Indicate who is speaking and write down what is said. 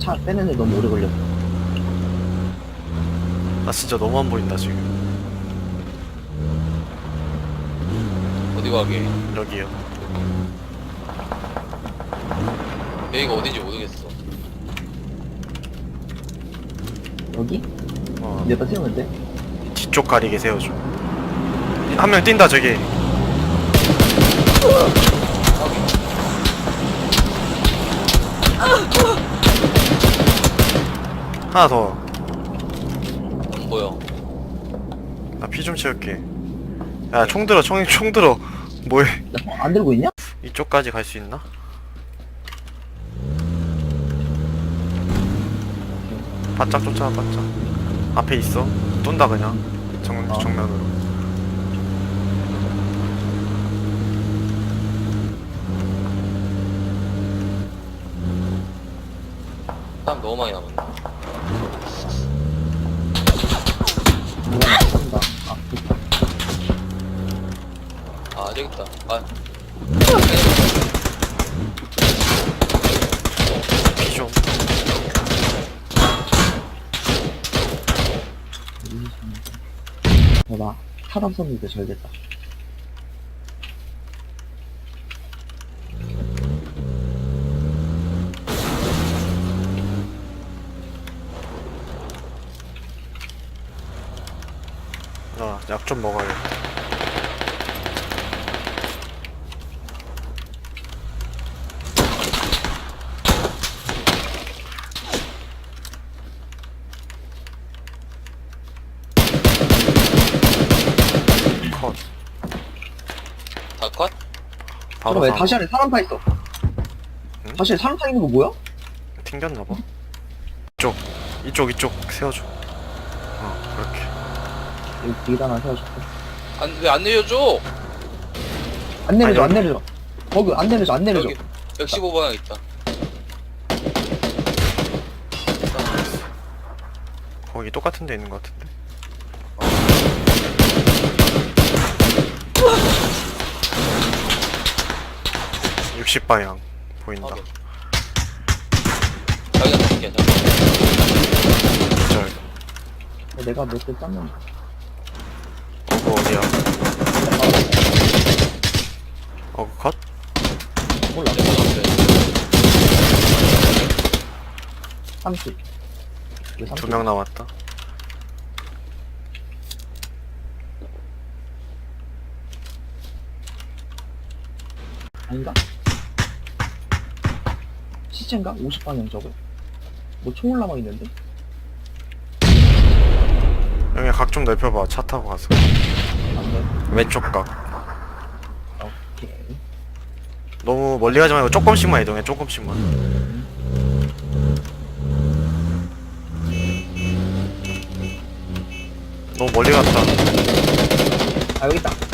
Speaker 1: 차 빼는데 너무 오래 걸렸어.
Speaker 2: 나 진짜 너무 안 보인다 지금.
Speaker 3: 어디 가게?
Speaker 2: 여기요.
Speaker 3: 여기가 어딘지 모르겠어.
Speaker 1: 여기?
Speaker 2: 어,
Speaker 1: 여기다 세우면 돼?
Speaker 2: 뒤쪽 가리게 세워줘. 한 명 뛴다 저기. 하나 더.
Speaker 3: 안 보여.
Speaker 2: 나 피 좀 채울게. 야, 총 들어, 총 들어. 뭐해?
Speaker 1: 나 안 들고 있냐?
Speaker 2: 이쪽까지 갈 수 있나? 바짝 쫓아와, 바짝. 앞에 있어. 쏜다, 그냥. 정면으로.
Speaker 3: 사람 너무 많이 남았네.
Speaker 1: 누가 나 쏜다. 아, 좋다.
Speaker 3: 아, 저기 있다. 아,
Speaker 2: 피 좀.
Speaker 1: 나 사람 썼는데 잘 됐다.
Speaker 2: 나 약 좀 먹어야겠다. 컷.
Speaker 3: 다 컷?
Speaker 2: 바로
Speaker 1: 잠깐 왜
Speaker 2: 사-
Speaker 1: 다시 안에 사람 타 있어?
Speaker 2: 응?
Speaker 1: 다시 안에 사람 타 있는 거 뭐야?
Speaker 2: 튕겼나봐. 이쪽 세워줘. 그렇게.
Speaker 1: 여기 뒤에다 하나 세워줄게.
Speaker 3: 왜 안 내려줘?
Speaker 1: 안 내려줘,
Speaker 2: 아니,
Speaker 1: 안 내려줘. 거기 안 내려줘, 안 내려줘.
Speaker 3: 여기 115방향 있다.
Speaker 2: 거기 똑같은 데 있는 것 같은데. 60방향 보인다.
Speaker 3: 확인. 자기가 잡게 하자.
Speaker 2: 절.
Speaker 1: 내가 몇 대 땄는데.
Speaker 2: 그거 어디야? 컷?
Speaker 1: 몰라.
Speaker 3: 내가 잡게.
Speaker 1: 30. 왜 30?
Speaker 2: 2명 남았다.
Speaker 1: 아닌가? 시체인가? 50방향 저거? 뭐 총 올라와 있는데?
Speaker 2: 여기 각 좀 넓혀봐. 차 타고 가서.
Speaker 1: 안 돼.
Speaker 2: 왼쪽 각.
Speaker 1: 오케이.
Speaker 2: 너무 멀리 가지 말고 조금씩만 이동해. 조금씩만. 너무 멀리 갔다.
Speaker 1: 아, 여기 있다.